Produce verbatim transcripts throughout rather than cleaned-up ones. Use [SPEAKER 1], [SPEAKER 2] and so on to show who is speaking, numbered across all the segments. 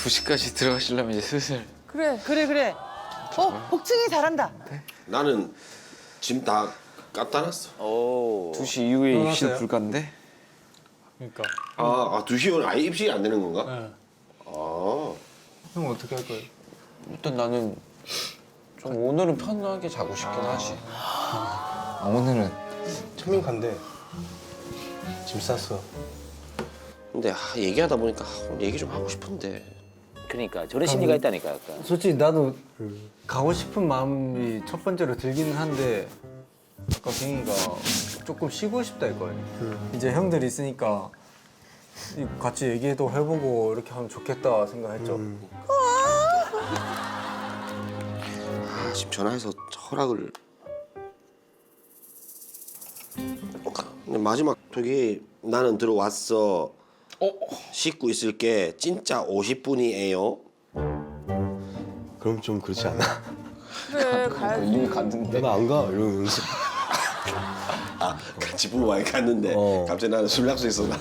[SPEAKER 1] 두 시까지 들어가시려면 이제 슬슬.
[SPEAKER 2] 그래 그래 그래. 어 복층이 잘한다.
[SPEAKER 3] 나는 짐 다 갖다 놨어.
[SPEAKER 4] 오.
[SPEAKER 1] 두 시 이후에 입실
[SPEAKER 5] 들어갔어요?
[SPEAKER 1] 불가인데?
[SPEAKER 5] 그러니까.
[SPEAKER 3] 아, 아 두 시 오늘 아예 입실이 안 되는 건가?
[SPEAKER 5] 네.
[SPEAKER 3] 아.
[SPEAKER 5] 형 어떻게 할 거예요?
[SPEAKER 1] 일단 나는 좀 오늘은 편하게 자고 싶긴 하지. 아, 오늘은
[SPEAKER 6] 청민 간대. 짐 쌌어.
[SPEAKER 3] 근데 아, 얘기하다 보니까 아, 얘기 좀 하고 싶은데.
[SPEAKER 4] 그러니까 저런 심리가 있다니까 약간.
[SPEAKER 5] 솔직히 나도 가고 싶은 마음이 첫 번째로 들기는 한데 아까 갱이가 조금 쉬고 싶다 했거든요. 이제 형들 있으니까 같이 얘기도 해보고 이렇게 하면 좋겠다 생각했죠.
[SPEAKER 6] 음.
[SPEAKER 3] 아, 지금 전화해서 허락을. 근데 마지막 저기 나는 들어왔어.
[SPEAKER 1] 어?
[SPEAKER 3] 씻고 있을게. 진짜 오십 분이에요.
[SPEAKER 6] 그럼 좀 그렇지 않아?
[SPEAKER 2] 그래 가야
[SPEAKER 1] 이미 갔는데.
[SPEAKER 6] 나 안 가. 이러면서.
[SPEAKER 3] 아, 같이 부부 많이 갔는데
[SPEAKER 6] 어.
[SPEAKER 3] 갑자기 나는 술 약속했어. 나.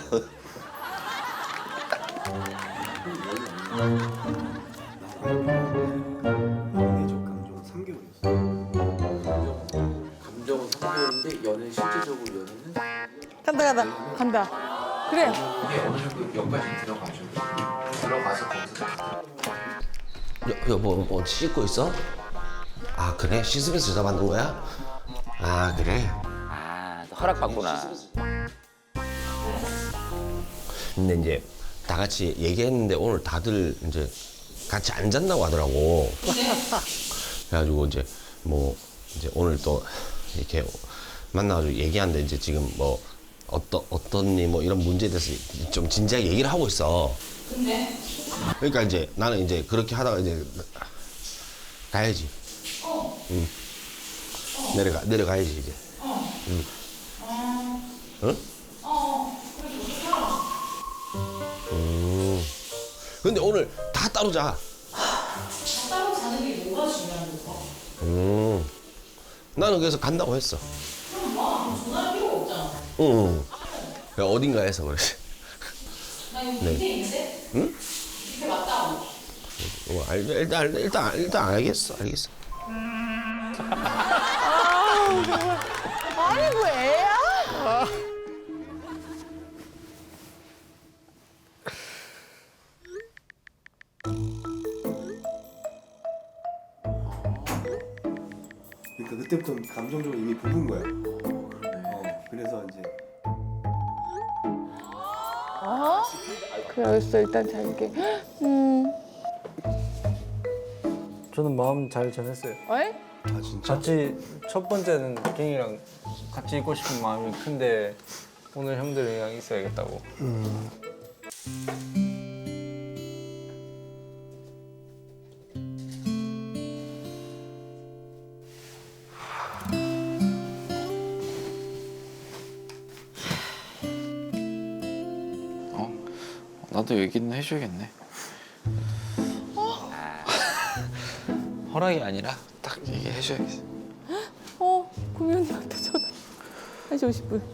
[SPEAKER 1] 감정은 삼 개월인데 연애 실질적으로 연애는
[SPEAKER 2] 간다 간다 간다. 그래.
[SPEAKER 1] 이게 어느 정도 연까지 들어가죠. 들어가서 거기서
[SPEAKER 3] 여, 여보 뭐 씻고 있어? 아 그래? 씻으면서 전화 받는 거야? 아 그래?
[SPEAKER 4] 아, 또 허락 받구나.
[SPEAKER 3] 근데 이제 다 같이 얘기했는데 오늘 다들 이제 같이 안 잔다고 하더라고. 그래가지고 이제 뭐 이제 오늘 또 이렇게 만나가지고 얘기하는데 이제 지금 뭐 어떤 어떤니 뭐 이런 문제에 대해서 좀 진지하게 얘기를 하고 있어. 근데? 그러니까 이제 나는 이제 그렇게 하다가 이제 가야지. 어. 응. 내려가 내려가야지 이제. 어. 응. 응? 음. 근데 오늘 다 따로 자.
[SPEAKER 7] 따로 자는 게 뭐가 중요한 거야?
[SPEAKER 3] 음. 나는 그래서 간다고 했어.
[SPEAKER 7] 그럼 뭐 전화할 필요가 없잖아.
[SPEAKER 3] 응. 그냥 어딘가에서 그랬어.
[SPEAKER 7] 나 이거
[SPEAKER 3] 네.
[SPEAKER 7] 밑에 있는데?
[SPEAKER 3] 응?
[SPEAKER 7] 밑에 맞다고.
[SPEAKER 3] 어, 알, 일단 일단 일단 알겠어, 알겠어.
[SPEAKER 2] 아니 뭐 애야?
[SPEAKER 6] 그러니까 그때부터 감정적으로 이미 부은 거야. 어, 그래서 이제
[SPEAKER 2] 어? 그래 알겠어 일단 잘게. 음.
[SPEAKER 5] 저는 마음 잘 전했어요.
[SPEAKER 2] 어이?
[SPEAKER 6] 아 진짜?
[SPEAKER 5] 같이 첫 번째는 갱이랑 같이 있고 싶은 마음이 큰데 오늘 형들이랑 있어야겠다고.
[SPEAKER 1] 어? 나도 얘기는 해줘야겠네. 허락이 아니라 딱 얘기해줘야겠어.
[SPEAKER 2] 어 구미언니한테 전화. 한 시 오십 분.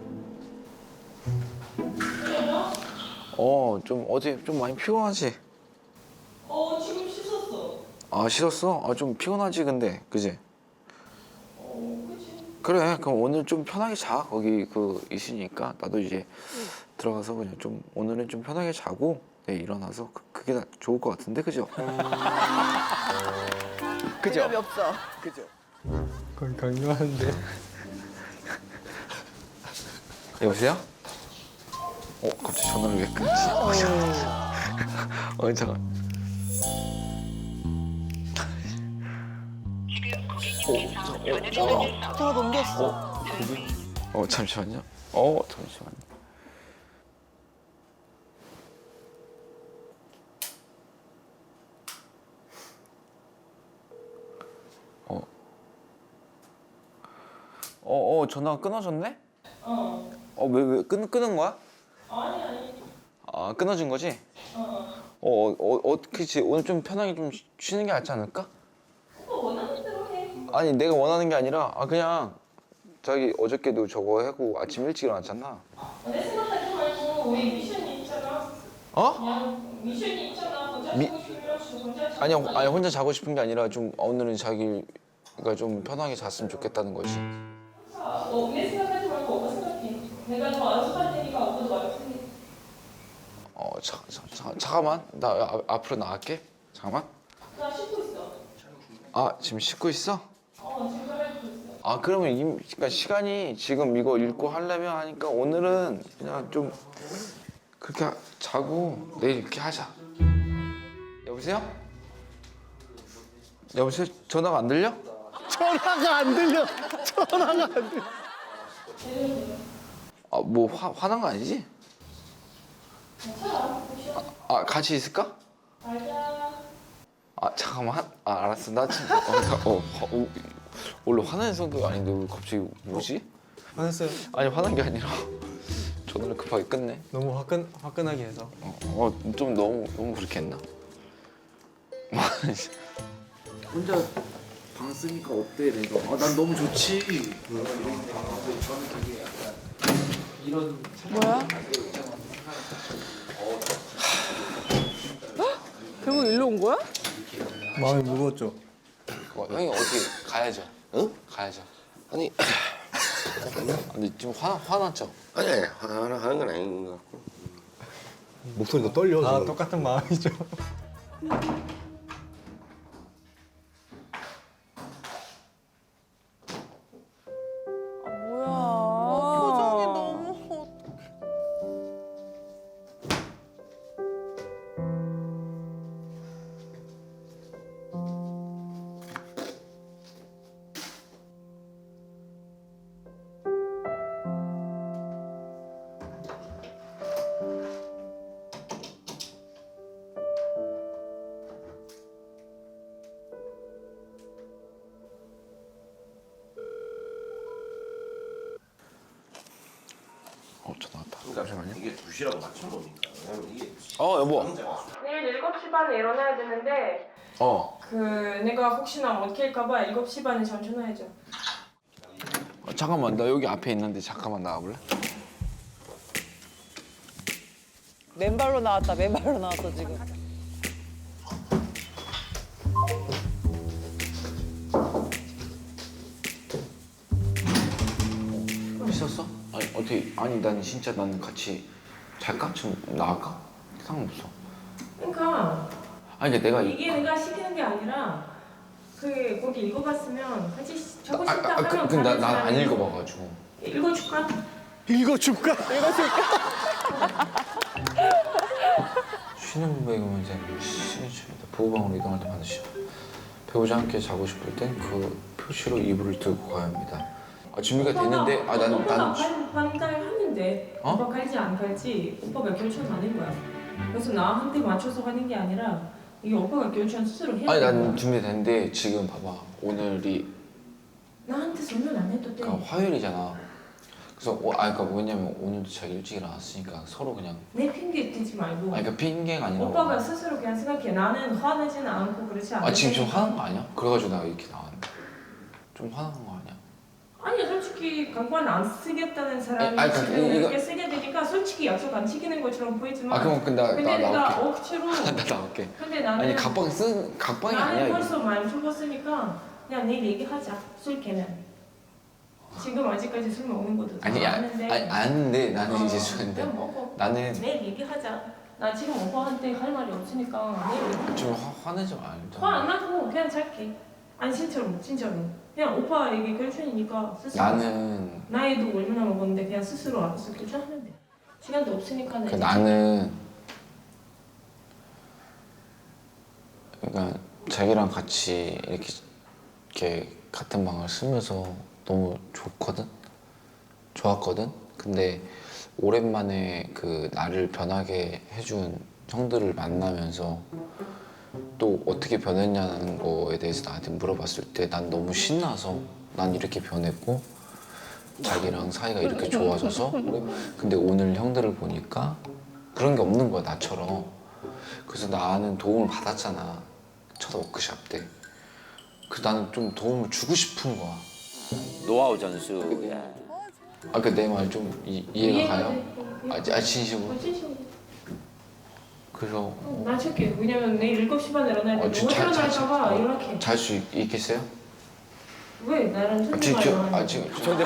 [SPEAKER 1] 어, 좀 어제 좀 많이 피곤하지?
[SPEAKER 7] 어, 지금 씻었어.
[SPEAKER 1] 아, 싫었어? 아, 좀 피곤하지 근데, 그지?
[SPEAKER 7] 어, 그치.
[SPEAKER 1] 그래, 그럼 오늘 좀 편하게 자. 거기 그 있으니까 나도 이제 들어가서 그냥 좀 오늘은 좀 편하게 자고 내일 일어나서 그, 그게 나- 좋을 것 같은데, 그죠? 그죠?
[SPEAKER 2] 대답이 없어.
[SPEAKER 1] 그죠?
[SPEAKER 5] 그건 강요하는데.
[SPEAKER 1] 여보세요? 어, 갑자기 전화를 왜 끊지? 어, 잠깐. 어, 잠깐.
[SPEAKER 2] 전화 넘겼어.
[SPEAKER 1] 어, 잠시만요. 어, 잠시만요. 어. 어, 어, 전화가 끊어졌네?
[SPEAKER 7] 어.
[SPEAKER 1] 어, 왜, 왜, 끊, 끊은 거야?
[SPEAKER 7] 아니, 아니.
[SPEAKER 1] 아, 끊어진 거지?
[SPEAKER 7] 어.
[SPEAKER 1] 어, 어, 어, 그치. 오늘 좀 편하게 좀 쉬- 쉬는 게 낫지 않을까?
[SPEAKER 7] 오빠 원하는 대로 해.
[SPEAKER 1] 아니, 내가 원하는 게 아니라, 아, 그냥, 자기 어저께도 저거 하고 아침 일찍 일어났잖아.
[SPEAKER 7] 내 생각하지 말고 우리 미션이 있잖아.
[SPEAKER 1] 어?
[SPEAKER 7] 그냥 미션이 있잖아. 혼자
[SPEAKER 1] 미-
[SPEAKER 7] 자고 싶으면 혼자 자고
[SPEAKER 1] 아니 아니 혼자 자고 싶은 게 아니라 좀 오늘은 자기가 좀 편하게 잤으면 좋겠다는 거지.
[SPEAKER 7] 너 내 생각하지 말고 오빠 생각해. 내가 더 알아서 할 테니까 오빠도 알아서 해.
[SPEAKER 1] 어 자, 자, 자, 잠깐만 나 아, 앞으로 나갈게. 잠깐만.
[SPEAKER 7] 나 씻고 있어.
[SPEAKER 1] 아 지금 씻고 있어?
[SPEAKER 7] 어 지금 빨리 있어.
[SPEAKER 1] 아 그러면 이 그러니까 시간이 지금 이거 읽고 하려면 하니까 오늘은 그냥 좀 그렇게 하- 자고 내일 이렇게 하자. 여보세요? 여보세요? 전화가 안 들려?
[SPEAKER 8] 전화가 안 들려. 전화가 안 들려.
[SPEAKER 1] 아 뭐 화난 거 아니지?
[SPEAKER 7] 괜찮아.
[SPEAKER 1] 아, 아 같이 있을까?
[SPEAKER 7] 알자.
[SPEAKER 1] 아 잠깐만. 아 알았어. 나 지금 어, 나- 어, 화- 어, 원래 화나는 성격 아닌데 왜 갑자기 뭐지?
[SPEAKER 5] 화냈어요?
[SPEAKER 1] 아니 화난 게 아니라 전화를 급하게 끝내.
[SPEAKER 5] 너무 화끈 화끈하게 해서.
[SPEAKER 1] 어 좀 너무 너무 그렇게 했나? 혼자 방 쓰니까 어때 내가? 아 난 너무 좋지.
[SPEAKER 2] 뭐야? 결국 일로 온 거야?
[SPEAKER 5] 마음이 무거웠죠.
[SPEAKER 1] 어, 형이 어떻게 가야죠?
[SPEAKER 3] 응?
[SPEAKER 1] 가야죠.
[SPEAKER 3] 아니
[SPEAKER 1] 아, 근데 지금 화 화났죠?
[SPEAKER 3] 아니 아니 하나 하는 건 아닌 것 같고.
[SPEAKER 6] 목소리가 떨려.
[SPEAKER 5] 다
[SPEAKER 6] 지금.
[SPEAKER 5] 똑같은 마음이죠.
[SPEAKER 2] 아 뭐야? 표정이 너무.
[SPEAKER 1] 어 전화 왔다. 잠시만요.
[SPEAKER 3] 이게 두 시라고 맞춘 거니까. 왜냐면 이게
[SPEAKER 1] 어 여보.
[SPEAKER 7] 내일 일곱 시 반에 일어나야 되는데
[SPEAKER 1] 어.
[SPEAKER 7] 그 내가 혹시나 못 깰까봐 일곱 시 반에 전화해줘.
[SPEAKER 1] 어, 잠깐만 나 여기 앞에 있는데 잠깐만 나와볼래?
[SPEAKER 2] 맨발로 나왔다. 맨발로 나왔어 지금.
[SPEAKER 1] 있었어? 아니 어떻게? 아니 난 진짜 나는 같이 잘까? 좀 나갈까? 상관없어.
[SPEAKER 7] 그러니까
[SPEAKER 1] 아니 근데 내가 이-
[SPEAKER 7] 이게 내가 시키는 게 아니라 그 거기 읽어봤으면 같이 시-
[SPEAKER 1] 아,
[SPEAKER 7] 적고 싶다
[SPEAKER 1] 아, 그,
[SPEAKER 7] 하면
[SPEAKER 1] 근데
[SPEAKER 7] 가는
[SPEAKER 1] 나안
[SPEAKER 7] 사람이
[SPEAKER 1] 읽어봐가지고.
[SPEAKER 7] 읽어줄까?
[SPEAKER 8] 읽어줄까?
[SPEAKER 1] 쉬는 배경은 이제 시그니처입니다. 보호방으로 이동할 때 반드시 배우자 함께 자고 싶을 땐 그 표시로 이불을 들고 가야 합니다. 아, 준비가 됐는데 아 나는
[SPEAKER 7] 오빠가
[SPEAKER 1] 나는
[SPEAKER 7] 반대하면 돼.
[SPEAKER 1] 어?
[SPEAKER 7] 오빠 갈지 안 갈지 오빠가 결정하는 거야. 그래서 나한테 맞춰서 하는 게 아니라 이게 오빠가 결정 스스로 해야
[SPEAKER 1] 아니
[SPEAKER 7] 되는
[SPEAKER 1] 난
[SPEAKER 7] 거야.
[SPEAKER 1] 준비됐는데 지금 봐봐 오늘이
[SPEAKER 7] 나한테 설명 안 해도 돼.
[SPEAKER 1] 그러니까 화요일이잖아. 그래서 어, 아 그러니까 뭐냐면 오늘도 제가 일찍 일어났으니까 서로 그냥
[SPEAKER 7] 내 핑계 대지 말고
[SPEAKER 1] 아니 그러니까 핑계가 아니라
[SPEAKER 7] 오빠가 스스로 그냥 생각해. 나는 화내지는 않고 그렇지 않아.
[SPEAKER 1] 아 지금 좀 화난 거 아니야? 그래가지고 내가 이렇게 나왔는데 좀 화난 거 아니야?
[SPEAKER 7] 아니 솔직히 강권 안 쓰겠다는 사람이
[SPEAKER 1] 아니, 아니,
[SPEAKER 7] 지금
[SPEAKER 1] 이거-
[SPEAKER 7] 이렇게 쓰게 되니까 솔직히 약속 안 지키는 것처럼 보이지만
[SPEAKER 1] 아 그럼 근데 나,
[SPEAKER 7] 근데
[SPEAKER 1] 나
[SPEAKER 7] 내가
[SPEAKER 1] 나올게.
[SPEAKER 7] 억지로
[SPEAKER 1] 나 나올게.
[SPEAKER 7] 근데 나는
[SPEAKER 1] 아니 각방 쓴 각방이
[SPEAKER 7] 나는
[SPEAKER 1] 아니야 이거.
[SPEAKER 7] 벌써 많이 죽었으니까 그냥 내일 얘기하자. 술 깨면 지금 아직까지 술 먹는 것도 다
[SPEAKER 1] 아니 아,
[SPEAKER 7] 아는데
[SPEAKER 1] 아니 아는데 나는
[SPEAKER 7] 어,
[SPEAKER 1] 이제 술인데
[SPEAKER 7] 그냥 먹어.
[SPEAKER 1] 나는
[SPEAKER 7] 내일 얘기하자. 나 지금 오빠한테 할 말이 없으니까 내일 얘기하자.
[SPEAKER 1] 좀 화, 화내지 말자.
[SPEAKER 7] 화 안 나고 그냥 잘게. 아니 진짜로 진짜로 그냥 오빠 얘기 결정이니까 스스로
[SPEAKER 1] 나는
[SPEAKER 7] 나이도 얼마나 먹었는데 그냥 스스로 알아서 결정하면 돼. 시간도 없으니까
[SPEAKER 1] 그 나는 그러니까 자기랑 같이 이렇게 이렇게 같은 방을 쓰면서 너무 좋거든, 좋았거든. 근데 오랜만에 그 나를 변하게 해준 형들을 만나면서 또 어떻게 변했냐는 거에 대해서 나한테 물어봤을 때 난 너무 신나서 난 이렇게 변했고 자기랑 사이가 이렇게 좋아져서 근데 오늘 형들을 보니까 그런 게 없는 거야 나처럼. 그래서 나는 도움을 받았잖아 첫 워크샵 때. 그래서 나는 좀 도움을 주고 싶은 거야.
[SPEAKER 4] 노하우 전수. 야.
[SPEAKER 1] 아까 내 말 좀 이해가 가요? 아, 아 진심으로?
[SPEAKER 7] 어, 진심으로.
[SPEAKER 1] 그래서
[SPEAKER 7] 어, 난 쉴게. 왜냐면 내일 일곱 시 반에 일어나야 돼.
[SPEAKER 1] 어,
[SPEAKER 7] 너무
[SPEAKER 1] 자- 자-
[SPEAKER 7] 일어날까봐
[SPEAKER 1] 자-
[SPEAKER 7] 연락해.
[SPEAKER 1] 잘 수 있겠어요?
[SPEAKER 7] 왜? 나랑
[SPEAKER 1] 아,
[SPEAKER 7] 천재만
[SPEAKER 1] 지금 저-
[SPEAKER 7] 일어나는
[SPEAKER 1] 아 지금 저-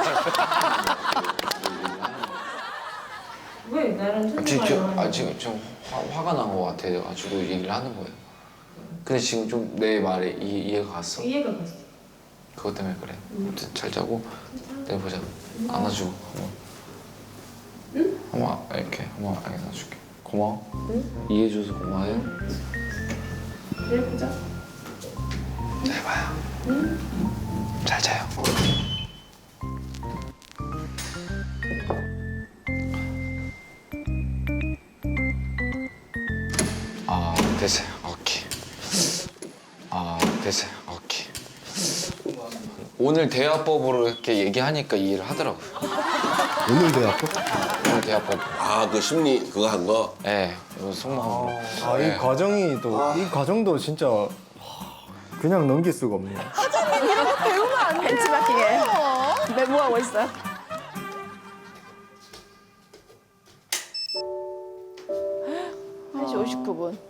[SPEAKER 7] 왜? 나랑
[SPEAKER 1] 아,
[SPEAKER 7] 천재만
[SPEAKER 1] 지금 저-
[SPEAKER 7] 일어나는
[SPEAKER 1] 아 지금 좀 화, 화가 난 것 같아가지고 얘기를 하는 거예요. 근데 지금 좀 내 말에 이, 이해가 갔어.
[SPEAKER 7] 이해가 갔어.
[SPEAKER 1] 그것 때문에 그래. 아무튼 잘 자고 내일 보자. 안아주고 한번. 응? 한번 이렇게 한번 안아줄게. 고마워. 응? 이해해줘서 고마워요.
[SPEAKER 7] 내일 보자.
[SPEAKER 1] 잘 봐요. 응? 잘 자요. 아 됐어요. 오케이. 아 됐어요. 오케이. 오늘 대화법으로 이렇게 얘기하니까 이해를 하더라고요.
[SPEAKER 6] 오늘 대학교?
[SPEAKER 1] 오늘 대화법.
[SPEAKER 3] 아 그 심리 그거 한 거?
[SPEAKER 1] 예. 이거 속마음.
[SPEAKER 5] 아, 이 과정이 또 이 과정도 진짜 그냥 넘길 수가 없네요.
[SPEAKER 2] 배우면 안 돼요. 벤치마킹에 메모하고 있어요. 한 시 오십구 분.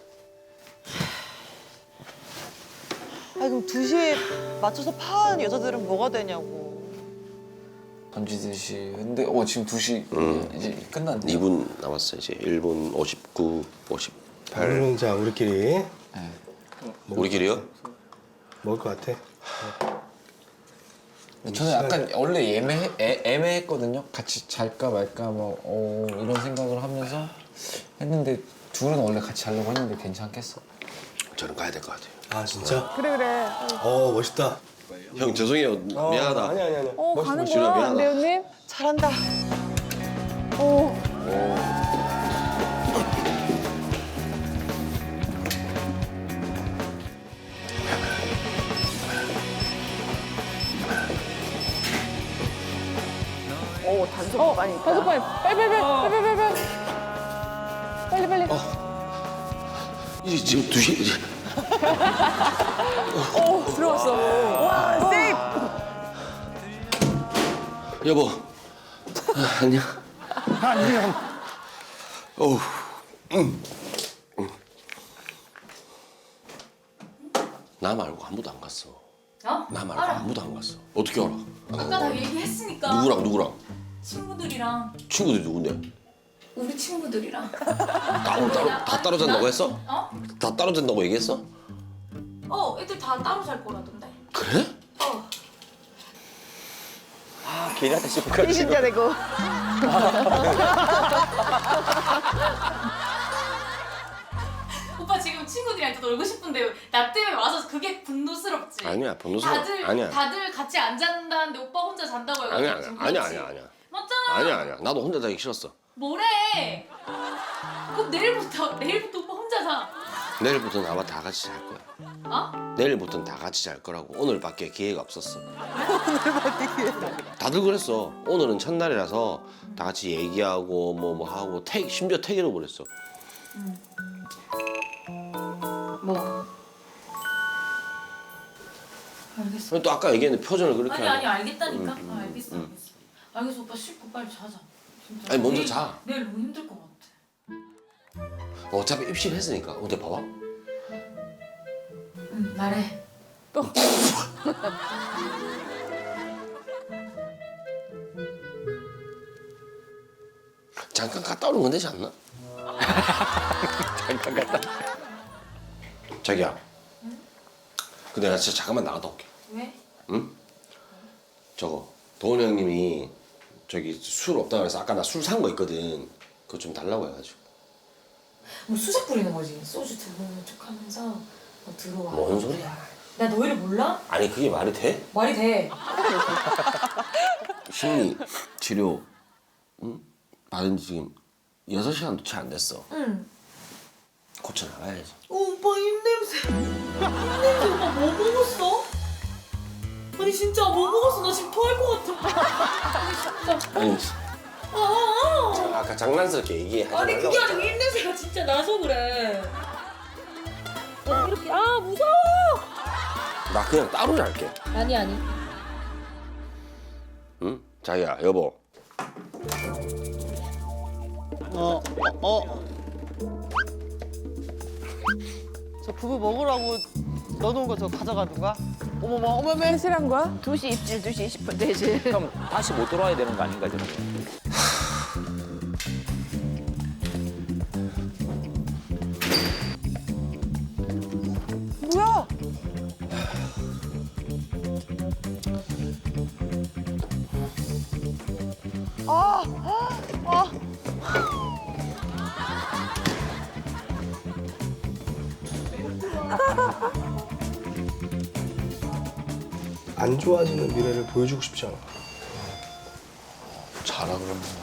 [SPEAKER 9] 아니 그럼 두 시에 맞춰서 파는 여자들은 뭐가 되냐고.
[SPEAKER 1] 던지듯이. 근데 어 지금 두 시 이제 끝났네.
[SPEAKER 3] 이 분 남았어 이제 일 분 오십구, 오십팔.
[SPEAKER 6] 오늘은 자 우리끼리
[SPEAKER 1] 네.
[SPEAKER 3] 우리끼리요?
[SPEAKER 6] 먹을 것 같아.
[SPEAKER 1] 근데 저는 약간 원래 애매 애, 애매했거든요. 같이 잘까 말까 뭐 어, 이런 생각을 하면서 했는데 둘은 원래 같이 자려고 했는데 괜찮겠어.
[SPEAKER 3] 저는 가야 될 것 같아요.
[SPEAKER 6] 아 진짜?
[SPEAKER 2] 그래 그래.
[SPEAKER 6] 어 멋있다.
[SPEAKER 3] 형 죄송해요. 미안하다.
[SPEAKER 6] 아니 아니 아니.
[SPEAKER 2] 어 가는
[SPEAKER 3] 멋있어,
[SPEAKER 2] 거야
[SPEAKER 3] 미안하다.
[SPEAKER 2] 배우님?
[SPEAKER 9] 잘한다.
[SPEAKER 2] 오. 오 단속 어, 많이 있다. 단속 많이. 빨리 빨리 빨리 빨리 빨리 빨리 빨리.
[SPEAKER 3] 이제 지금 두 시. 이제.
[SPEAKER 2] 오 들어왔어. 와 세이프.
[SPEAKER 3] 여보. 아, 안녕.
[SPEAKER 8] 안녕.
[SPEAKER 3] 어우. 응. 응. 나 말고 아무도 안 갔어.
[SPEAKER 10] 어?
[SPEAKER 3] 나 말고
[SPEAKER 10] 알아.
[SPEAKER 3] 아무도 안 갔어. 어떻게 알아?
[SPEAKER 10] 아까 다 얘기했으니까.
[SPEAKER 3] 누구랑 누구랑?
[SPEAKER 10] 친구들이랑
[SPEAKER 3] 친구들이 누군데?
[SPEAKER 10] 우리 친구들이랑.
[SPEAKER 3] 따로 따로 다 따로 잔다고 했어?
[SPEAKER 10] 어?
[SPEAKER 3] 다 따로 잔다고 얘기했어?
[SPEAKER 10] 어, 애들 다 따로 잘 거라던데.
[SPEAKER 3] 그래?
[SPEAKER 10] 어.
[SPEAKER 4] 아, 걔한테 씹고
[SPEAKER 2] 이신자 되고.
[SPEAKER 10] 오빠 지금 친구들이랑 또 놀고 싶은데 나 때문에 와서 그게 분노스럽지.
[SPEAKER 3] 아니야 분노스러워.
[SPEAKER 10] 다들
[SPEAKER 3] 아니야.
[SPEAKER 10] 다들 같이 안 잔다는데 오빠 혼자 잔다고 해가지고
[SPEAKER 3] 아니야 아니야
[SPEAKER 10] 지금
[SPEAKER 3] 아니야
[SPEAKER 10] 그렇지.
[SPEAKER 3] 아니야 아니야.
[SPEAKER 10] 맞잖아.
[SPEAKER 3] 아니야 아니야. 나도 혼자 자기 싫었어.
[SPEAKER 10] 뭐래? 그럼 내일부터 내일부터 오빠 혼자 자.
[SPEAKER 3] 내일부터는 아마 다 같이 잘 거야.
[SPEAKER 10] 어?
[SPEAKER 3] 내일부터는 다 같이 잘 거라고. 오늘밖에 기회가 없었어. 다들 그랬어. 오늘은 첫날이라서 다 같이 얘기하고 뭐 뭐 하고 택 심지어 택이로 보냈어.
[SPEAKER 10] 뭐? 알겠어.
[SPEAKER 3] 또 아까 얘기했는데 표정을 그렇게
[SPEAKER 10] 아니 아니
[SPEAKER 3] 하네.
[SPEAKER 10] 알겠다니까.
[SPEAKER 3] 음,
[SPEAKER 10] 아, 알겠어
[SPEAKER 3] 음.
[SPEAKER 10] 알겠어. 알겠어 오빠 씻고 빨리 자자. 진짜.
[SPEAKER 3] 아니, 먼저
[SPEAKER 10] 내일-
[SPEAKER 3] 자.
[SPEAKER 10] 내일 너무 힘들 것 같아.
[SPEAKER 3] 어차피 입실했으니까. 근데 봐봐.
[SPEAKER 10] 응 말해.
[SPEAKER 3] 잠깐 갔다 오는 건 되지 않나? 잠깐 갔다. 자기야. 근데 나 진짜 잠깐만 나갔다 올게.
[SPEAKER 10] 왜?
[SPEAKER 3] 응? 저거 도훈 형님이 저기 술 없다 그래서 아까 나 술 산 거 있거든. 그거 좀 달라고 해가지고.
[SPEAKER 10] 뭐 수작 부리는 거지. 소주 두 번을 쭉 하면서 너 들어와.
[SPEAKER 3] 뭔 소리야?
[SPEAKER 10] 나 너희를 몰라?
[SPEAKER 3] 아니 그게 말이 돼?
[SPEAKER 10] 말이 돼.
[SPEAKER 3] 심리 치료 응? 받은 지 지금 여섯 시간도 채 안 됐어.
[SPEAKER 10] 응.
[SPEAKER 3] 고쳐 나가야지.
[SPEAKER 10] 어, 오빠 입냄새. 입냄새 오빠 뭐 먹었어? 아니 진짜 뭐 먹었어? 나 지금 토할 것 같아. 아니 진짜.
[SPEAKER 3] 아니
[SPEAKER 10] 아, 아,
[SPEAKER 3] 자, 아까 장난스럽게 얘기하지
[SPEAKER 10] 아. 아니
[SPEAKER 3] 말라고.
[SPEAKER 10] 그게 아니고 입냄새가 진짜 나서 그래. 나 이렇게 아 무서워.
[SPEAKER 3] 나 그냥 따로 잘게.
[SPEAKER 10] 아니 아니.
[SPEAKER 3] 응? 자기야 여보.
[SPEAKER 8] 어, 어.
[SPEAKER 9] 저 부부 먹으라고 넣어놓은 거 저거 가져가는 거야?
[SPEAKER 2] 어머머, 어머머, 해실한 거야? 두 시 입질, 두 시 이십 분 대실.
[SPEAKER 4] 그럼 다시 못 돌아와야 되는 거 아닌가 저는.
[SPEAKER 9] 뭐야? 아, 아,
[SPEAKER 6] 안 좋아지는 미래를 보여주고 싶지 않아.
[SPEAKER 1] 자라 그러는 것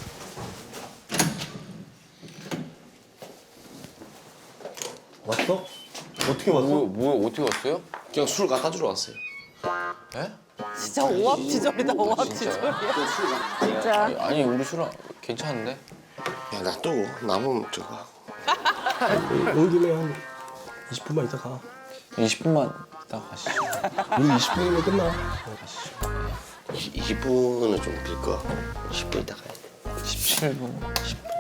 [SPEAKER 1] 같아.
[SPEAKER 6] 왔어? 어떻게 왔어?
[SPEAKER 1] 뭐, 뭐 어떻게 왔어요?
[SPEAKER 6] 그냥 술 갖다 주러 왔어요.
[SPEAKER 1] 에?
[SPEAKER 9] 진짜 오합지졸이다,
[SPEAKER 1] 진짜요?
[SPEAKER 9] 오합지졸이야.
[SPEAKER 2] 진짜.
[SPEAKER 1] 아니, 아니 우리 술은 괜찮은데?
[SPEAKER 6] 야, 놔두고 남으면 저거 하고. 온 김에 한 이십 분만 있다 가.
[SPEAKER 1] 이십 분만 있다 가시죠.
[SPEAKER 6] 우리 이십 분이면 끝나.
[SPEAKER 1] 가시죠.
[SPEAKER 6] 이십 분은 좀 빌 거. 십 분 있다 가야 돼.
[SPEAKER 1] 십칠 분.
[SPEAKER 6] 십 분.